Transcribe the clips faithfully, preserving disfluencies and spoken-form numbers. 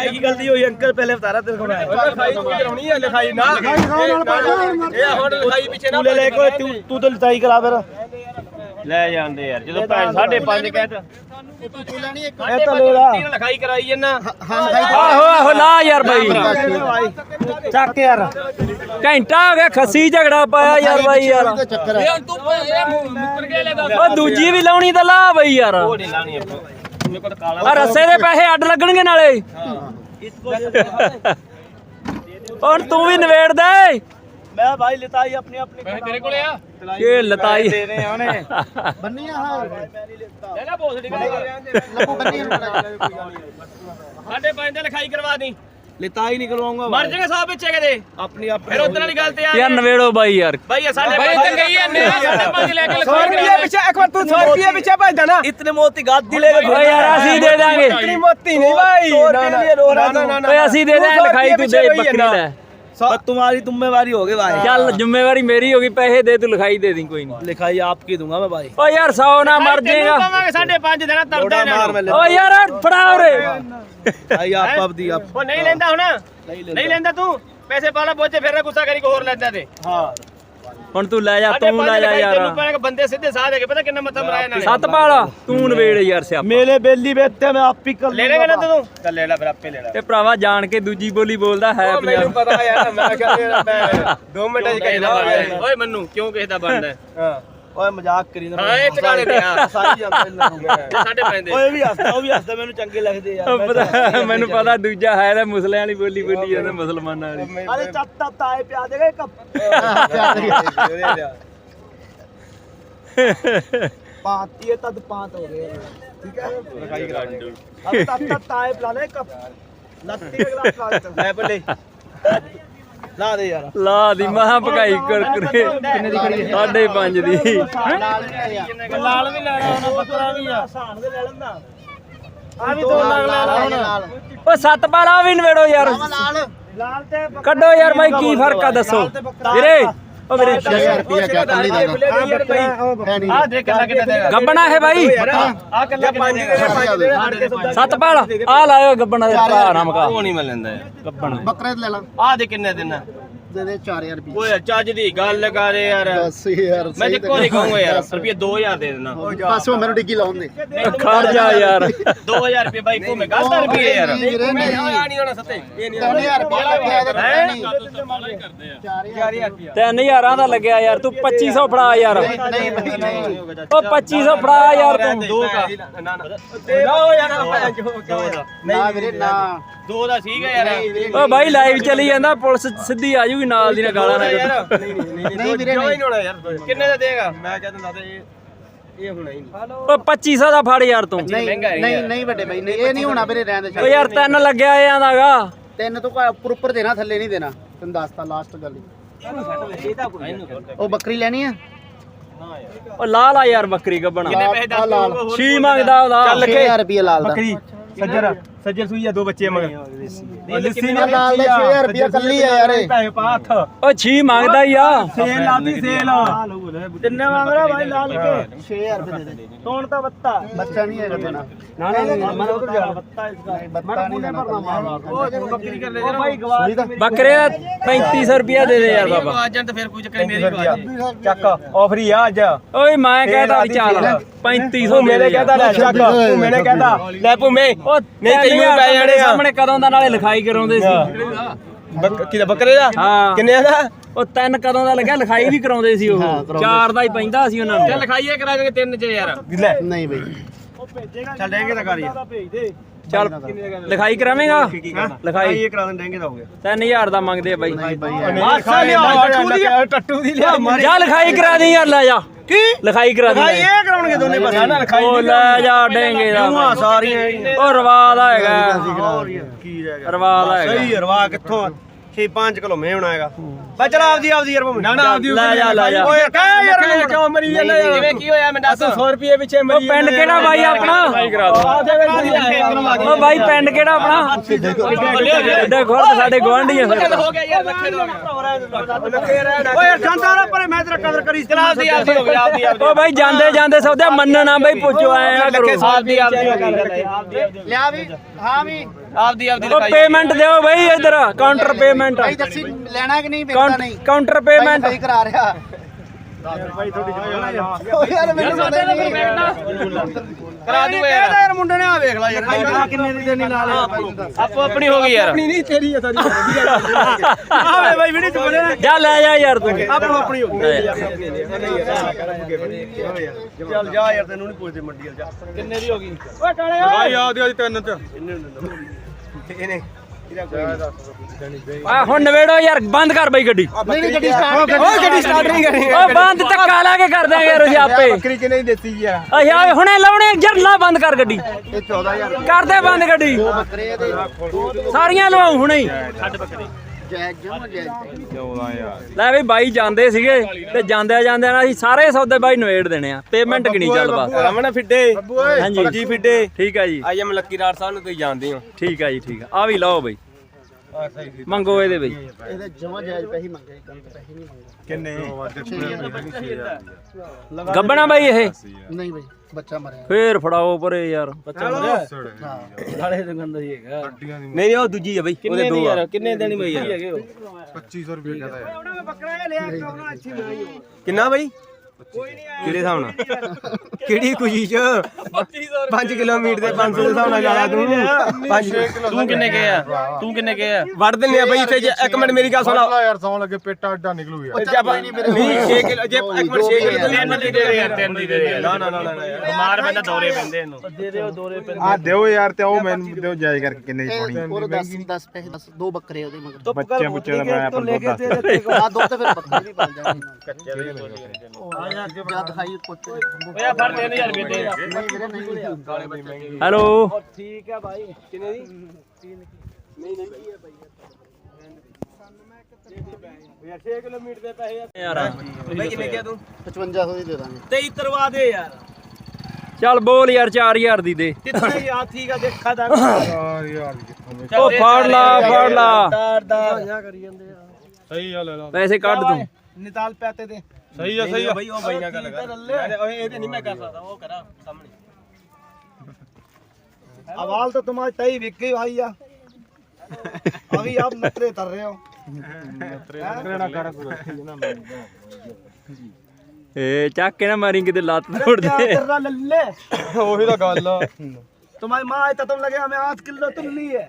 लिखाई की गलती हुई अंकल पहले बता रहा तेरे को मैं लिखाई कराਉਣੀ ਹੈ ਲਿਖਾਈ ਨਾ ਇਹ ਹੁਣ ਲਿਖਾਈ ਪਿੱਛੇ ਨਾ तू ले ले कोई तू तू तो लिखाई करा फिर ਲੈ ਜਾਂਦੇ ਯਾਰ ਜਦੋਂ ਭੈਣ ਸਾਢੇ ਪੰਜ ਕਹਿਤਾ ਇਹ ਤਾਂ ਲੈ ਲਾ ਲਿਖਾਈ ਕਰਾਈ ਜੰਨਾ ਆਹੋ ਆਹੋ ਲਾ ਯਾਰ ਬਾਈ ਚੱਕ ਯਾਰ ਘੰਟਾ ਹੋ ਗਿਆ ਖੱਸੀ ਝਗੜਾ ਪਾਇਆ ਯਾਰ ਬਾਈ ਯਾਰ ਉਹ ਦੂਜੀ ਵੀ ਲਾਉਣੀ ਤਾਂ ਲਾ ਬਾਈ ਯਾਰ ਉਹ ਨਹੀਂ ਲਾਣੀ ਆਪਾਂ ਮੇਰੇ ਕੋਲ ਕਾਲਾ ਆ ਰੱਸੇ ਦੇ ਪੈਸੇ ਅੱਡ ਲੱਗਣਗੇ ਨਾਲੇ ਹੁਣ ਤੂੰ ਵੀ ਨਵੇੜ ਦੇ मैं भाई लिताई अपनी अपनी ਤੇਰੇ ਕੋਲੇ ਆ ਇਹ ਲਤਾਈ दे रहे हैं उन्हें ਬੰਨੀ ਆ ਲੈ ਲੈ ਬੋਸੜੀ ਲੱਭੂ ਬੰਨੀ ਸਾਢੇ ਪੰਜ ਤੇ ਲਿਖਾਈ ਕਰਵਾ ਦੀ लिताई निकलवाऊंगा ਮਰ ਜਾਏਗਾ ਸਾਹਿਬ ਪਿੱਛੇ ਕਿਤੇ अपनी अपनी ਫਿਰ ਉਧਰ ਵਾਲੀ ਗੱਲ ਤੇ ਆ ਯਾਰ ਨਵੇੜੋ ਬਾਈ ਯਾਰ ਭਾਈ ਸਾਡੇ ਭਾਈ ਤੇ ਗਈ ਐ ਸਾਢੇ ਪੰਜ ਲੈ ਕੇ सौ रुपये पीछे एक बार तू सौ रुपये पीछे भजदा ना इतने मोती गादी ले ਓਏ ਯਾਰ ਅਸੀਂ ਦੇ ਦਾਂਗੇ इतनी मोती नहीं भाई ना ना ना ਓਏ ਅਸੀਂ ਦੇ ਦਾਂਗੇ ਲਿਖਾਈ ਤੂੰ ਦੇ ਬੱਕਰੀ ਲੈ तुम्हारी जिम्मेवारी होगी भाई ਚੱਲ ਜ਼ਿੰਮੇਵਾਰੀ ਮੇਰੀ ਹੋ ਗਈ ਪੈਸੇ ਦੇ ਤੂੰ ਲਿਖਾਈ ਦੇ ਦੀ ਕੋਈ ਨਹੀਂ लिखाई आपकी दूंगा मैं भाई ਓ ਯਾਰ ਸੌ ਨਾ ਮਰ ਜਾਏਗਾ ਪਾਵਾਂਗੇ ਸਾਢੇ ਪੰਜ ਦੇਣਾ ਤਰਦਾ मार मैं ਓ ਯਾਰ ਫੜਾ ਉਰੇ भाई आप अब दी आप ਉਹ ਨਹੀਂ ਲੈਂਦਾ ਹੁਣ ਨਹੀਂ ਲੈਂਦਾ ਤੂੰ ਪੈਸੇ ਪਾਲਾ ਬੋਝੇ ਫਿਰ ਗੁੱਸਾ ਕਰੀ ਕੋ ਹੋਰ ਲੈਂਦਾ ਤੇ हाँ ਹੁਣ ਤੂੰ ਲੈ ਜਾ ਤੂੰ ਲੈ ਜਾ ਯਾਰ ਬੰਦੇ ਸਿੱਧੇ ਸਾਹ ਦੇ ਕੇ ਪਤਾ ਕਿੰਨਾ ਮੱਥਾ ਮਰਾਇਆ ਨਾਲੇ ਸੱਤ ਪਾਲਾ ਤੂੰ ਨਵੇੜ ਯਾਰ ਸਿਆਪਾ मेरे बेली बेचते मैं आप ही कर ਲੈ ਲੈਗਾ ਨਾ ਤੂੰ ਚੱਲ ਲੈ ਲੈ ਫਿਰ ਆਪੇ ਲੈ ਲੈ ਤੇ ਭਰਾਵਾ ਜਾਣ ਕੇ ਦੂਜੀ ਬੋਲੀ ਬੋਲਦਾ ਹੈ ਮੈਨੂੰ ਪੰਜਾਬ ਪਤਾ ਯਾਰ ਮੈਂ ਕਹਿੰਦਾ ਮੈਂ ਦੋ ਮਿੰਟਾਂ ਚ ਕਹਿਦਾ ਓਏ ਮੰਨੂ ਕਿਉਂ ਕਿਸੇ ਦਾ ਬਣਦਾ हां ओए मजाक करी ना ਹਾਂ ਇਹ ਟਿਕਾਣੇ ਤੇ ਆ सारी जानते हैं ਸਾਡੇ ਪੈਂਦੇ ओए भी हंसदा वो भी हंसदा मैंने चंगे लगदे यार ਪਤਾ ਮੈਨੂੰ ਪਤਾ ਦੂਜਾ ਹੈ ਤਾਂ ਮੁਸਲਿਆਂ ਵਾਲੀ ਬੋਲੀ ਬੋਲੀ ਜਾਂਦਾ ਮੁਸਲਮਾਨਾਂ ਵਾਲੀ अरे चप तप ताए प्या देगा कब पाती है तद पांत हो गए ठीक है ਲਿਖਾਈ ਕਰਾ ਦਿੰਦੇ अब तब तब ताए पिला ले कब लत्ती का गिलास पिला दे मैं बोले ला दे यार ਲਾ ਦੀ ਮਹਾ ਭਗਾਈ ਕਰ ਕਰੇ ਕਿੰਨੇ ਦੀ ਖੜੀ ਸਾਢੇ ਪੰਜ ਦੀ लाल भी लेना होना बकरा भी है हसान दे ले लेंदा आ भी दो लाख ले ला ਓ ਸੱਤ ਪਾਲਾ ਵੀ ਨਵੇੜੋ ਯਾਰ ਲਾਲ लाल ते ਕੱਢੋ ਯਾਰ ਬਾਈ ਕੀ ਫਰਕ ਆ ਦੱਸੋ ਵੀਰੇ ਓ ਵੀਰੇ ਛੇ ਹਜ਼ਾਰ ਰੁਪਇਆ ਕਿਆ ਕੱਲੀ ਦਾ ਹੈ ਨਹੀਂ ਆ ਦੇਖ ਕਿੰਨਾ ਕਿੰਨਾ ਦੇਗਾ ਗੱਬਣਾ ਹੈ ਬਾਈ ਆ ਕੱਲਾ ਪੰਜ ਦੇ ਪੰਜ ਦੇ ਸੱਤ ਪਾਲਾ ਆ ਲਾਇਓ ਗੱਬਣਾ ਦੇ ਭਰਾ ਨਾ ਮਕਾ ਉਹ ਨਹੀਂ ਮੈਂ ਲੈਂਦਾ ਗੱਬਣ ਬੱਕਰੇ ਲੈ ਲਾ ਆ ਦੇ ਕਿੰਨੇ ਦਿਨ ਦੇ ਦੇ ਚਾਰ ਹਜ਼ਾਰ ਰੁਪਇਆ ਓਏ ਚੱਜ ਦੀ ਗੱਲ ਕਰ ਯਾਰ ਦਸ ਹਜ਼ਾਰ ਮੈਂ ਤੇ ਕੋਈ ਨਹੀਂ ਕਹੂੰਗਾ ਯਾਰ ਰੁਪਏ ਦੋ ਹਜ਼ਾਰ ਦੇ ਦੇਣਾ ਪਾਸੋਂ ਮੈਨੂੰ ਡਿੱਗੀ ਲਾਉਣ ਦੇ ਖੜ ਜਾ ਯਾਰ ਦੋ ਹਜ਼ਾਰ ਰੁਪਏ ਬਾਈ ਕੋ ਮੈਂ ਗਲਤ ਰੁਪਏ ਯਾਰ ਨਹੀਂ ਵੀਰੇ, ਨਹੀਂ। ਆ ਨਹੀਂ ਹੋਣਾ ਸੱਤੇ ਇਹ ਨਹੀਂ ਤਿੰਨ ਹਜ਼ਾਰ ਰੁਪਇਆ ਲੱਗਿਆ ਇਹਦੇ ਹੈਂ? ਨਹੀਂ ਚਾਰ ਹਜ਼ਾਰ ਰੁਪਏ ਤਿੰਨ ਹਜ਼ਾਰਾਂ ਦਾ ਲੱਗਿਆ ਯਾਰ ਤੂੰ ਪੱਚੀ ਸੌ ਫੜਾ ਯਾਰ ਨਹੀਂ ਬਈ ਨਹੀਂ ਓ ਪੱਚੀ ਸੌ ਫੜਾ ਯਾਰ ਤੂੰ ਦੋ ਕਾ ਨਾ ਨਾ ਦੋ ਯਾਰ ਦੋ ਦਾ ਨਾ ਵੀਰੇ ਨਾ ਦੋ ਦਾ ਸੀਗਾ ਯਾਰ ਓ ਬਾਈ ਲਾਈਵ ਚੱਲੀ ਜਾਂਦਾ ਪੁਲਿਸ ਸਿੱਧੀ ਆ ਜੂਗੀ ਨਾਲ ਦੀ ਨਾਲ ਗਾਲਾਂ ਨਾ ਕੱਢ। ਨਹੀਂ ਨਹੀਂ ਨਹੀਂ ਵੀਰੇ, ਕਿਉਂ ਨਹੀਂ। ਨਹੀਂ ਹੋਣਾ ਯਾਰ ਕਿੰਨੇ ਦਾ ਦੇਗਾ ਮੈਂ ਕਹਿ ਦਿੰਦਾ ਤੇ ਇਹ ਇਹ ਹੋਣਾ ਹੀ ਨਹੀਂ ਓ ਪੱਚੀ ਸੌ ਦਾ ਫੜ ਯਾਰ ਤੂੰ ਨਹੀਂ ਮਹਿੰਗਾ ਹੈ ਨਹੀਂ ਯਾਰ। ਨਹੀਂ ਵੱਡੇ ਬਾਈ ਨਹੀਂ ਇਹ ਨਹੀਂ ਹੋਣਾ ਵੀਰੇ ਰਹਿਣ ਦੇ ਓ ਯਾਰ ਤਿੰਨ ਲੱਗਿਆ ਇਹ ਆਂਦਾਗਾ ਤਿੰਨ ਤੋਂ ਉੱਪਰ ਉੱਪਰ ਦੇਣਾ ਥੱਲੇ ਨਹੀਂ ਦੇਣਾ ਤੈਨੂੰ ਦੱਸਤਾ ਲਾਸਟ ਗੱਲ ਹੀ। ਉਹ ਬੱਕਰੀ ਲੈਣੀ ਆ ਓ ਲਾ ਲਾ ਯਾਰ ਬੱਕਰੀ ਗੱਬਣਾ ਕਿੰਨੇ ਪੈਸੇ ਦੱਸ ਲਾਲ। ਦੋ ਛੀ ਮੰਗਦਾ ਉਹਦਾ ਛੇ ਹਜ਼ਾਰ ਰੁਪਇਆ ਲਾਲ ਦਾ सज्जर सज्जर सुई है दो बच्चे मगर ਲੱਸੀ ਨਾਲ ਲਾਲ ਦਾ ਛੇ ਹਜ਼ਾਰ ਰੁਪਇਆ ਕੱਲੀ ਆ ਯਾਰ ਇਹ। पैसे पा हथ ਓ ਛੀ ਮੰਗਦਾ ਹੀ ਆ सेल लाती सेल किन्ने मांग रहा भाई लाल के ਛੇ ਹਜ਼ਾਰ ਰੁਪਏ ਦੇ ਦੇ कौन था बत्ता ਬੱਚਾ ਨਹੀਂ ਹੈਗਾ ਦੇਣਾ ना ना मैं उधर जा बत्ता इसका ਬੱਤਾ ਨਹੀਂ ਦੇਣਾ ਬੱਕਰੀ ਕਰ ਲੈ ओ भाई गवा ਸੂਈ ਦਾ ਬੱਕਰੇ ਦਾ ਪੈਂਤੀ ਸੌ ਰੁਪਿਆ ਦੇ ਦੇ ਯਾਰ ਬਾਬਾ ਆ ਜਾਣ ਤਾਂ ਫਿਰ ਕੋਈ ਚੱਕਰ ਮੇਰੀ ਗਵਾ ਚੱਕ ਆਫਰ ਹੀ ਆ ਅੱਜ ਓਏ ਮੈਂ ਕਹਿਦਾ ਵੀ ਚੱਲ ਪੈਂਤੀ ਸੌ ਮੇਰੇ ਕਹਦਾ ਲੈ ਚੱਕ ਤੂੰ ਮੈਨੇ ਕਹਦਾ ਲੈ ਭੂਮੇ ਓ ਨਹੀਂ ਤੈਨੂੰ ਯਾਰ ਪੈ ਜਾਣੇ ਆ। ਸਾਹਮਣੇ ਕਦੋਂ ਦਾ ਨਾਲੇ ਲਿਖਾਈ ਕਰਾਉਂਦੇ ਸੀ ਕਿਦਾ ਬੱਕਰੇ ਦਾ ਹਾਂ ਕਿੰਨੇ ਦਾ ਉਹ ਤਿੰਨ ਕਦੋਂ ਦਾ ਲੱਗਿਆ ਲਿਖਾਈ ਵੀ ਕਰਾਉਂਦੇ ਸੀ ਉਹ ਚਾਰ ਦਾ ਹੀ ਪੈਂਦਾ ਸੀ ਉਹਨਾਂ ਨੂੰ ਚੱਲ ਲਿਖਾਈਏ ਕਰਾ ਦੇਗੇ ਤਿੰਨ ਚ ਯਾਰ ਲੈ ਨਹੀਂ ਬਈ ਚੱਲ ਡੇਂਗੇ ਦਾ ਕਰ ਯਾਰ ਭੇਜ ਦੇ ਚੱਲ ਲਿਖਾਈ ਕਰਾਵੇਂਗਾ ਲਿਖਾਈ ਇਹ ਕਰਾ ਦੇ ਡੇਂਗੇ ਦਾ ਹੋ ਗਿਆ ਤਿੰਨ ਹਜ਼ਾਰ ਦਾ ਮੰਗਦੇ ਆ ਬਾਈ ਮਾਸਾ ਲਿਆ ਟੱਟੂ ਦੀ ਲਿਆ ਜਾ ਲਿਖਾਈ ਕਰਾ ਦੇ ਯਾਰ ਲੈ ਜਾ ਕੀ ਲਿਖਾਈ ਕਰਾ ਦੇ ਭਾਈ ਇਹ ਕਰਾਉਣਗੇ ਦੋਨੇ ਪਾਸੇ ਨਾ ਲਿਖਾਈ ਉਹ ਲੈ ਜਾ ਡੇਂਗੇ ਦਾ ਕਿਉਂ ਸਾਰੀਆਂ ਉਹ ਰਵਾ ਦਾ ਹੈਗਾ ਕੀ ਰਹਿ ਗਿਆ ਰਵਾ ਦਾ ਹੈਗਾ ਸਹੀ ਰਵਾ ਕਿੱਥੋਂ ਛੇ ਪੰਜ ਕਿਲੋ ਮੈਂ ਹੋਣਾ ਹੈਗਾ ਬਾ ਚਲ ਆਪਦੀ ਆਪਦੀ ਯਾਰ ਨਾ ਨਾ ਆਪਦੀ ਲੈ ਜਾ ਲੈ ਜਾ ਓਏ ਕਹਿ ਯਾਰ ਮੈਨੂੰ ਕਿਉਂ ਮਰੀ ਜਾਂਦਾ ਯਾਰ ਜਿਵੇਂ ਕੀ ਹੋਇਆ ਮੈਂ ਦੱਸ ਸੌ ਰੁਪਏ ਪਿੱਛੇ ਉਹ ਮਰੀ ਪਿੰਡ ਕਿਹੜਾ ਬਾਈ ਆਪਣਾ ਉਹ ਬਾਈ ਪਿੰਡ ਕਿਹੜਾ ਆਪਣਾ ਐਡਾ ਖੁਰਦ ਸਾਡੇ ਗਵਾਂਢੀ ਆ ਫਿਰ ਹੋ ਗਿਆ ਯਾਰ ਰੱਖੇ ਦੋ ਓਏ ਯਾਰ ਜਾਂਦਾ ਨਾ ਪਰ ਮੈਂ ਤੇਰਾ ਕਦਰ ਕਰੀ ਚਲਾ ਦੀ ਆਪਦੀ ਹੋ ਗਈ ਆਪਦੀ ਆਪਦੀ ਓ ਬਾਈ ਜਾਂਦੇ ਜਾਂਦੇ ਸੌਦੇ ਮੰਨਣਾ ਬਈ ਪੁੱਛੋ ਐ ਨਾ ਕਰੋ ਆਪਦੀ ਆਪਦੀ ਆਪਦੀ ਲਿਆ ਵੀ ਹਾਂ ਵੀ ਆਪਦੀ ਆਪਦੀ ਓ ਪੇਮੈਂਟ ਦਿਓ ਬਈ ਇਧਰ ਕਾਊਂਟਰ ਪੇਮੈਂਟ ਭਾਈ ਦੱਸੀ ਲੈਣਾ ਕਿ ਨਹੀਂ ਵੇਚਦਾ ਨਹੀਂ ਕਾਊਂਟਰ ਪੇਮੈਂਟ ਭਾਈ ਕਰਾ ਰਿਹਾ ਓ ਯਾਰ ਮੈਨੂੰ ਪਤਾ ਨਹੀਂ ਕਰਾ ਦੂਗਾ ਯਾਰ ਯਾਰ ਮੁੰਡੇ ਨੇ ਆ ਵੇਖ ਲੈ ਯਾਰ ਕਿੰਨੇ ਦੀ ਦੇਣੀ ਨਾਲ ਆਪੋ ਆਪਣੀ ਹੋ ਗਈ ਯਾਰ ਆਪਣੀ ਨਹੀਂ ਤੇਰੀ ਹੈ ਸਾਰੀ ਆਵੇ ਬਾਈ ਵੀਡੀਓ ਚ ਬੋਲੇ ਨਾ ਜਾ ਲੈ ਜਾ ਯਾਰ ਤੂੰ ਆਪੋ ਆਪਣੀ ਹੋ ਗਈ ਚੱਲ ਜਾ ਯਾਰ ਤੈਨੂੰ ਨਹੀਂ ਪੁੱਛਦੇ ਮੰਡੀ ਵਾਲ ਜਾ ਕਿੰਨੇ ਦੀ ਹੋ ਗਈ ਓਏ ਕਾਲੇ ਓਏ ਆਦੀ ਆਦੀ ਤਿੰਨ ਚ ਇਹਨੇ ਆ ਹੁਣ ਨਵੇੜੋ ਯਾਰ ਬੰਦ ਕਰ ਬਈ ਗੱਡੀ ਨਹੀਂ ਨਹੀਂ ਗੱਡੀ ਸਟਾਰਟ ਓਏ ਗੱਡੀ ਸਟਾਰਟ ਨਹੀਂ ਕਰਨੀ ਓ ਬੰਦ ਧੱਕਾ ਲਾ ਕੇ ਕਰ ਦਾਂਗੇ ਯਾਰ ਅਸੀਂ ਆਪੇ ਬੱਕਰੀ ਕਿੰਨੇ ਦੀ ਦਿੱਤੀ ਯਾਰ ਅੱਛਾ ਹੁਣੇ ਲਾਉਣੇ ਯਾਰ ਲਾ ਬੰਦ ਕਰ ਗੱਡੀ ਇਹ ਚੌਦਾਂ ਹਜ਼ਾਰ ਕਰ ਦੇ ਬੰਦ ਗੱਡੀ ਦੋ ਬੱਕਰੇ ਦੇ ਸਾਰੀਆਂ ਲਵਾਉ ਹੁਣੇ ਹੀ ਜੈ ਜਮ ਜੈ ਲੈ ਬਈ ਬਾਈ ਜਾਂਦੇ ਸੀਗੇ ਤੇ ਜਾਂਦਿਆਂ ਜਾਂਦਿਆਂ ਨਾਲ ਅਸੀਂ ਸਾਰੇ ਸੌਦੇ ਬਾਈ ਨਵੇੜ ਦੇਣੇ ਆ ਪੇਮੈਂਟ ਕਿੰਨੀ ਚੱਲ ਬਸ ਰਮਨ ਫਿੱਡੇ ਹਾਂਜੀ ਜੀ ਫਿੱਡੇ ਠੀਕ ਆ ਜੀ ਆਈ ਐਮ ਲੱਕੀ ਰਾੜ ਸਾਹਿਬ ਨੂੰ ਤੁਸੀਂ ਜਾਣਦੇ ਹੋ ਠੀਕ ਆ ਜੀ ਠੀਕ ਆ ਆ ਵੀ ਲਓ ਬਈ ਮੰਗੋ ਇਹਦੇ ਬਈ ਇਹਦੇ ਜਮਾ ਜਾਇਜ਼ ਪੈਸੇ ਮੰਗੇ ਕੰਮ ਪੈਸੇ ਨਹੀਂ ਮੰਗੇ ਕਿੰਨੇ ਗੱਬਣਾ ਬਾਈ ਇਹ ਨਹੀਂ ਬਈ ਬੱਚਾ ਮਰਿਆ ਫੇਰ ਫੜਾਓ ਪਰੇ ਯਾਰ ਹਾਂ ਨਾਲੇ ਤੇ ਗੰਦਾ ਹੀ ਹੈਗਾ ਨਹੀਂ ਨਹੀਂ ਉਹ ਦੂਜੀ ਆ ਬਈ ਉਹਦੇ ਦੋ ਆ ਕਿੰਨੇ ਦੇਣੀ ਬਈ ਯਾਰ ਪੱਚੀ ਸੌ ਰੁਪਏ ਕਹਦਾ ਹੈ ਉਹਨਾਂ ਨੇ ਬੱਕਰਾ ਇਹ ਲਿਆ ਕਰਨਾ ਅੱਛੀ ਬਣਾਈ ਕਿੰਨਾ ਬਈ ਕੋਈ ਨਹੀਂ ਆਇਆ ਕਿਹੜੇ ਹਿਸਾਬ ਨਾਲ ਕਿਹੜੀ ਖੁਸ਼ੀ ਚ ਪੰਜ ਕਿਲੋਮੀਟਰ ਦੇ ਪੰਜ ਸੌ ਦੇ ਹਿਸਾਬ ਨਾਲ ਜਾਇਆ ਤੂੰ ਪੰਜ ਤੂੰ ਕਿੰਨੇ ਗਏ ਆ ਤੂੰ ਕਿੰਨੇ ਗਏ ਆ ਵੜ ਦਿੰਨੇ ਆ ਬਈ ਇੱਥੇ ਜੇ ਇੱਕ ਮਿੰਟ ਮੇਰੀ ਗੱਲ ਸੁਣ ਲਾ ਯਾਰ ਸੌਣ ਲੱਗੇ ਪੇਟਾ ਅੱਡਾ ਨਿਕਲੂ ਯਾਰ ਜੇ ਆਪਾਂ ਨਹੀਂ ਛੇ ਕਿਲੋ ਜੇ ਇੱਕ ਮਿੰਟ ਛੇ ਕਿਲੋ ਤਿੰਨ ਦੀ ਦੇ ਯਾਰ ਤਿੰਨ ਦੀ ਦੇ ਨਾ ਨਾ ਨਾ ਨਾ ਬਿਮਾਰ ਬੰਦਾ ਦੌਰੇ ਪੈਂਦੇ ਇਹਨੂੰ ਦੇ ਦਿਓ ਦੌਰੇ ਪੈਂਦੇ ਆ ਦਿਓ ਯਾਰ ਤੇ ਉਹ ਮੈਨੂੰ ਦਿਓ ਜਾਇਜ਼ ਕਰਕੇ ਕਿੰਨੇ ਦੀ ਪਾਣੀ ਉਹ ਦਸ ਦਸ ਪੈਸੇ ਦਸ ਦੋ ਬੱਕਰੇ ਉਹਦੇ ਮਗਰ ਬੱਚੇ ਬੁੱਚੇ ਦਾ ਮੈਂ ਆਪਣਾ ਦੁੱਧ ਦੱਸ ਆ ਦੋ ਤੇ ਫਿਰ ਬੱਕਰੇ ਵੀ ਪਲ ਜਾਣਗੇ ਆ ਜਾ ਦਿਖਾਈ ਪੁੱਛ ਓਏ ਫੜ ਤਿੰਨ ਹਜ਼ਾਰ ਰੁਪਏ ਦੇ ਨਹੀਂ ਵੀਰੇ ਨਹੀਂ ਹੈਲੋ ਠੀਕ ਆ ਭਾਈ ਕਿੰਨੇ ਦੀ ਯਾਰ ਛੇ ਕਿਲੋਮੀਟਰ ਦੇ ਪੈਸੇ ਯਾਰ ਬਈ ਕਿੰਨੇ ਕਿਹਾ ਤੂੰ ਪਚਵੰਜਾ ਸੌ ਦੀ ਦੇ ਦਾਂਗੇ ਤੇਈ ਤਰਵਾ ਦੇ ਯਾਰ ਚੱਲ ਬੋਲ ਯਾਰ ਚਾਰ ਹਜ਼ਾਰ ਦੀ ਦੇ ਕਿੰਨੇ ਆ ਠੀਕ ਆ ਦੇਖਾ ਦਾ ਯਾਰ ਯਾਰ ਕਿੱਥੋਂ ਓ ਫੜ ਲਾ ਫੜ ਲਾ ਦਾਰ ਦਾਰ ਕਰੀ ਜਾਂਦੇ ਆ ਸਹੀ ਆ ਲੈ ਲਾ ਪੈਸੇ ਕੱਢ ਤੂੰ ਨਿਤਾਲ ਪੈਤੇ ਦੇ ਸਹੀ ਆ ਸਹੀ ਆ ਬਈ ਉਹ ਬਈ ਨਾਲ ਗੱਲ ਕਰ ਓਏ ਇਹਦੇ ਨਹੀਂ ਮੈਂ ਕਰ ਸਕਦਾ ਉਹ ਕਰਾ ਸਾਹਮਣੇ आवाज तो तुम्हारी तई बिक गई भाई या अभी आप नखरे कर रहे हो ਏ ਚੱਕ ਕੇ ਨਾ ਮਾਰੀ ਕਿਤੇ ਲੱਤ ਤੋੜ क्या ਦੇ कर रहा लल्ले ਉਹੀ ਤਾਂ ਗੱਲ ਆ तुम्हारी माँ आई तो तुम लगे हमें आठ किलो तुम लिए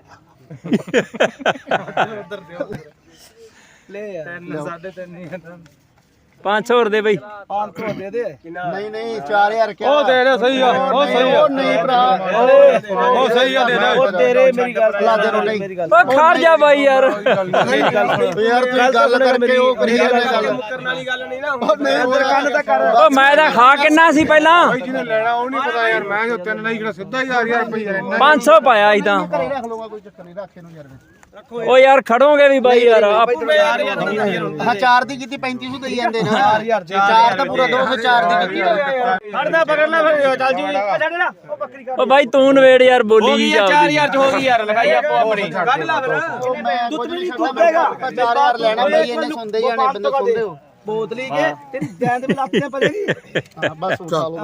ले यार साढ़े तीन नहीं ਪੰਜ ਸੌ ਹੋਰ ਦੇ ਬਈ पाँच सौ दे दे ਨਹੀਂ ਨਹੀਂ ਚਾਰ ਹਜ਼ਾਰ ਕਿਆ ਉਹ ਦੇ ਦੇ ਸਹੀ ਆ ਉਹ ਸਹੀ ਆ ਉਹ ਨਹੀਂ ਭਰਾ ਉਹ ਸਹੀ ਆ ਦੇ ਦੇ ਉਹ तेरे मेरी गल ला दे रोटी। मेरी गल ਓ ਖੜ ਜਾ ਬਾਈ ਯਾਰ ਯਾਰ ਤੂੰ ਗੱਲ ਕਰਕੇ ਉਹ ਕਰੀ ਜਾਂਦੇ ਗੱਲ ਕਰਨ ਵਾਲੀ ਗੱਲ ਨਹੀਂ ਨਾ ਨਹੀਂ ਤੇਰੇ ਕੰਨ ਤਾਂ ਕਰ ਓ ਮੈਂ ਤਾਂ ਖਾ ਕਿੰਨਾ ਸੀ ਪਹਿਲਾਂ ਜਿਹਨੇ ਲੈਣਾ ਉਹ ਨਹੀਂ ਪਤਾ ਯਾਰ ਮੈਂ ਜੋ ਤਿੰਨ ਨਹੀਂ ਕਿਹੜਾ ਸਿੱਧਾ ਹੀ ਹਜ਼ਾਰ ਹਜ਼ਾਰ ਰੁਪਏ ਇੰਨਾ ਪੰਜ ਸੌ ਪਾਇਆ ਸੀ ਤਾਂ ਘਰੇ ਰੱਖ ਲਊਗਾ ਕੋਈ ਚੱਕਰ ਨਹੀਂ ਰੱਖੇ ਨੂੰ ਯਾਰ ਓ ਯਾਰ ਖੜੋਗੇ ਵੀ ਬਾਈ ਯਾਰ ਆਪ- ਹਾਂ ਚਾਰ ਦੀ ਕੀਤੀ ਪੈਂਤੀ ਸੌ ਦੇਈ ਜਾਂਦੇ ਨਾ ਚਾਰ ਤਾਂ ਪੂਰਾ ਦੋ ਸੌ ਚਾਰ ਦੀ ਕੀਤੀ फड़ना पकड़ना फिर चल जी चल ना ओ बकरी का ਓ ਬਾਈ ਤੂੰ ਨਵੇੜ ਯਾਰ ਬੋਲੀ ਜੀ ਚਾਰ ਚੱਲਦੀ ਹਜ਼ਾਰ ਚ ਹੋ ਗਈ ਯਾਰ ਲਿਖਾਈ ਆਪੋ ਆਪਣੀ ਕੱਢ ਲਾ ਫਿਰ ਦੁੱਧ ਵੀ ਨਹੀਂ ਦੁੱਧ ਦੇਗਾ ਚਾਰ ਹਜ਼ਾਰ ਲੈਣਾ ਬਈ ਇਹਨੇ ਸੁਣਦੇ ਹੀ ਜਾਣੇ ਬੰਦੇ ਸੁਣਦੇ ਹੋ बोतली के तेरी जान में लाते पड़ेगी ਹਾਂ ਬਸ ਚਾਲੂ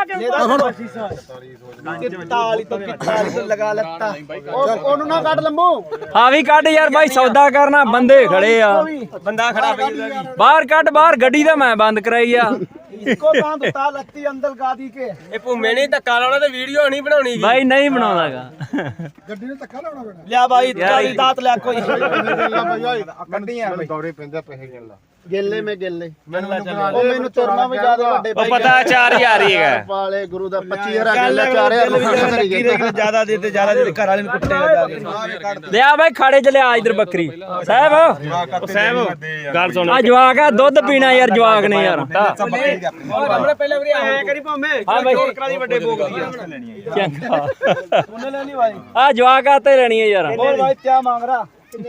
ताली तो ताली तो लगा लगता ਉਹਨੂੰ ਨਾ ਕੱਢ ਲੰਮੋ ਹਾਂ ਵੀ ਕੱਢ ਯਾਰ ਬਾਈ ਸੌਦਾ ਕਰਨਾ ਬੰਦੇ ਖੜੇ ਆ ਬੰਦਾ ਖੜਾ ਪਈ ਉਹਦਾ ਵੀ ਬਾਹਰ ਕੱਢ ਬਾਹਰ ਗੱਡੀ ਤਾਂ ਮੈਂ ਬੰਦ ਕਰਾਈ ਆ इसको कहां तो ताल लगती अंदर गादी के ਇਹ ਭੂਮੇ ਨੇ ਧੱਕਾ ਲਾਉਣਾ ਤੇ ਵੀਡੀਓ ਨਹੀਂ ਬਣਾਉਣੀ ਗੀ ਬਾਈ ਨਹੀਂ ਬਣਾਉਂਦਾਗਾ ਗੱਡੀ ਨੇ ਧੱਕਾ ਲਾਉਣਾ ਪੈਣਾ लिया भाई ताली दांत ले कोई ਕੱਢੀਆਂ ਦੌਰੇ ਪੈਂਦਾ ਪੈਸੇ ਗਿਣ ਲਾ ਗੇਲੇ ਮੈਂ ਗੇਲੇ ਉਹ ਮੈਨੂੰ ਤੁਰਨਾ ਵੀ ਜ਼ਿਆਦਾ ਵੱਡੇ ਉਹ ਪਤਾ ਚਾਰ ਹਜ਼ਾਰ ਹੀ ਹੈਗਾ ਵਾਲੇ ਗੁਰੂ ਦਾ ਪੱਚੀ ਹਜ਼ਾਰ ਗੇਲਾ ਚਾਰ ਹਜ਼ਾਰ ਕਰੀ ਗਏ ज्यादा देते ज्यादा देते घर वाले ने कुट्टे ਲਿਆ ਬਾਈ ਖਾੜੇ ਚ ਲਿਆ ਇਧਰ ਬੱਕਰੀ ਸਾਹਿਬ ਸਾਹਿਬ ਗੱਲ ਸੁਣ ਆ ਜਵਾਕ ਆ ਦੁੱਧ ਪੀਣਾ ਯਾਰ ਜਵਾਕ ਨੇ ਯਾਰ ਹਮਣੇ ਪਹਿਲੇ ਵਾਰੀ ऐ करी भाਵੇਂ ਹਾਂ ਬਾਈ करा दी ਵੱਡੇ ਭੋਗ ਦੀ ਚੰਗਾ ਉਹਨੇ ਲੈਣੀ ਭਾਈ ਆ ਜਵਾਕ ਆ ਤੇ ਲੈਣੀ ਹੈ ਯਾਰ बोल भाई क्या मांग रहा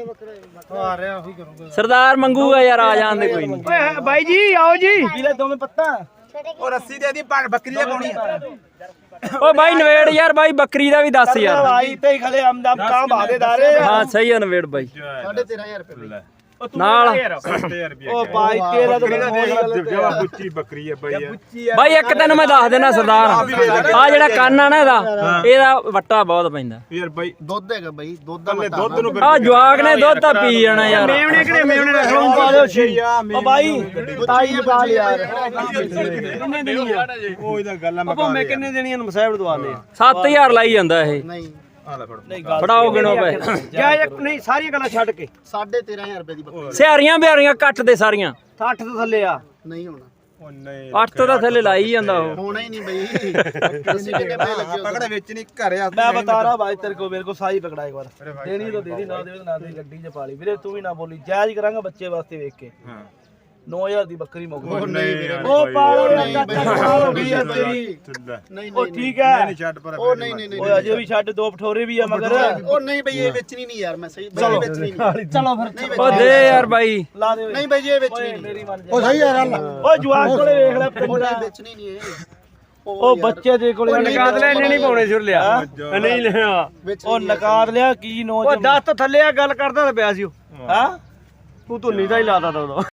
ਸਰਦਾਰ ਮੰਗੂਗਾ ਯਾਰ ਆ ਜਾਂਦੇ ਕੋਈ ਨਹੀਂ ओए भाई जी आओ जी पीले दो में पत्ता ਉਹ ਰੱਸੀ ਦੇ ਦੀ ਬੱਕਰੀ ਦੇ ਪਾਉਣੀ ਓ ਬਾਈ ਨਵੇੜ ਯਾਰ ਬਾਈ ਬੱਕਰੀ ਦਾ ਵੀ ਦੱਸ ਯਾਰ भाई ते ही खले हम हम काम भादेदारे ਹਾਂ ਸਹੀ ਆ ਨਵੇੜ ਬਾਈ ਸਾਢੇ ਤੇਰਾਂ ਹਜ਼ਾਰ ਰੁਪਏ ਨਾਲ ਉਹ ਬਾਈ ਤੇਰਾ ਤਾਂ ਬੁੱਚੀ ਬੱਕਰੀ ਹੈ ਬਾਈ ਯਾਰ ਬਾਈ ਇੱਕ ਤੈਨੂੰ ਮੈਂ ਦੱਸ ਦੇਣਾ ਸਰਦਾਰ ਆ ਜਿਹੜਾ ਕੰਨ ਆ ਨਾ ਇਹਦਾ ਇਹਦਾ ਵੱਟਾ ਬਹੁਤ ਪੈਂਦਾ ਯਾਰ ਬਾਈ ਦੁੱਧ ਹੈਗਾ ਬਾਈ ਦੁੱਧ ਦਾ ਕੱਲੇ ਮਟਾ ਦੁੱਧ ਨੂੰ ਆ ਜਵਾਕ ਨੇ ਦੁੱਧ ਤਾਂ ਪੀ ਜਾਣਾ ਯਾਰ ਮੇਵਣੇ ਕਿਹੜੇ ਮੇਵਣੇ ਦਾ ਖਲੋਂ ਪਾ ਦਿਓ ਛੀ ਉਹ ਬਾਈ ਤਾਈ ਪਾ ਲਿਆ ਯਾਰ ਕਿੰਨੇ ਦੇਣੀ ਆ ਉਹ ਇਹਦਾ ਗੱਲ ਆ ਆਪਾਂ ਮੈਂ ਕਿੰਨੇ ਦੇਣੀਆਂ ਨੂੰ ਮਸਾਇਬ ਦਵਾਨੇ ਸੱਤ ਹਜ਼ਾਰ ਲਾਈ ਜਾਂਦਾ ਇਹ ਨਹੀਂ ਆ ਲੈ ਫੜ ਨਹੀਂ ਗੱਲ ਫੜਾਓ ਗਿਣੋ ਪਏ ਜਾ ਇੱਕ ਨਹੀਂ ਸਾਰੀਆਂ ਗੱਲਾਂ ਛੱਡ ਕੇ ਸਾਢੇ ਤੇਰਾਂ ਹਜ਼ਾਰ ਰੁਪਏ ਦੀ ਬੱਕਰੀ ਸਿਆਰੀਆਂ ਬਿਆਰੀਆਂ ਕੱਟ ਦੇ ਸਾਰੀਆਂ ਸੱਠ ਤੋਂ ਥੱਲੇ ਆ ਨਹੀਂ ਹੋਣਾ ਉਹ ਨਹੀਂ ਅੱਠ ਤੋਂ ਤਾਂ ਥੱਲੇ ਲਾਈ ਜਾਂਦਾ ਉਹ ਹੋਣਾ ਹੀ ਨਹੀਂ ਬਈ ਅਸੀਂ ਕਿੰਨੇ ਪੈਸੇ ਲੱਗੇ ਹੋ ਪਕੜਾ ਵੇਚਣੀ ਘਰੇ ਆ मैं बता रहा भाई तेरे को मेरे को साई पकड़ा एक बार देनी तो दे दी ना दे ना दे गड्डी च पाली ਵੀਰੇ ਤੂੰ ਵੀ ਨਾ ਬੋਲੀ ਜਾਇਜ਼ ਕਰਾਂਗਾ ਬੱਚੇ ਵਾਸਤੇ ਵੇਖ ਕੇ ਹਾਂ ਨੌ ਹਜ਼ਾਰ ਦੀ ਬੱਕਰੀ ਮੁੱਕ ਉਹ ਨਹੀਂ ਵੀਰੇ ਉਹ ਪਾਲੋ ਨਹੀਂ ਨਾ ਬਈ, ਹੋ ਗਈ ਆ ਤੇਰੀ ਨਹੀਂ ਉਹ ਨਹੀਂ ਠੀਕ ਹੈ ਨਹੀਂ ਛੱਡ ਪਰ ਉਹ ਨਹੀਂ ਨਹੀਂ ਨਹੀਂ ਓਏ ਅਜੇ ਵੀ ਛੱਡ ਦੋ ਪਠੋਰੇ ਵੀ ਆ ਮਗਰ ਉਹ ਨਹੀਂ ਬਈ ਇਹ ਵੇਚਣੀ ਨਹੀਂ ਯਾਰ ਮੈਂ ਸਹੀ ਬਈ ਵੇਚਣੀ ਨਹੀਂ ਚਲੋ ਫਿਰ ਉਹ ਦੇ ਯਾਰ ਬਾਈ ਲਾ ਦੇ ਨਹੀਂ ਬਈ ਇਹ ਵੇਚਣੀ ਨਹੀਂ ਮੇਰੀ ਮੰਨ ਜਾ ਉਹ ਸਹੀ ਯਾਰ ਓਏ ਜਵਾਕ ਕੋਲੇ ਵੇਖ ਲੈ ਉਹ ਪਿੰਡਾ ਨਹੀਂ ਵੇਚਣੀ ਨਹੀਂ ਇਹ ਉਹ ਬੱਚੇ ਦੇ ਕੋਲੇ ਨਕਾਦ ਲੈ ਨਹੀਂ ਪਾਉਣੇ ਸੁਰ ਲਿਆ ਨਹੀਂ ਲਿਆ ਉਹ ਨਕਾਦ ਲਿਆ ਕੀ ਨੋ ਉਹ ਦਸ ਤੋਂ ਥੱਲੇ ਆ ਗੱਲ ਕਰਦਾ ਤਾਂ ਪਿਆ ਸੀ ਉਹ ਹਾਂ ਤੂੰ ਧੁੰਨੀ ਦਾ ਹੀ ਲਾਦਾ ਤਾ ਉਦੋਂ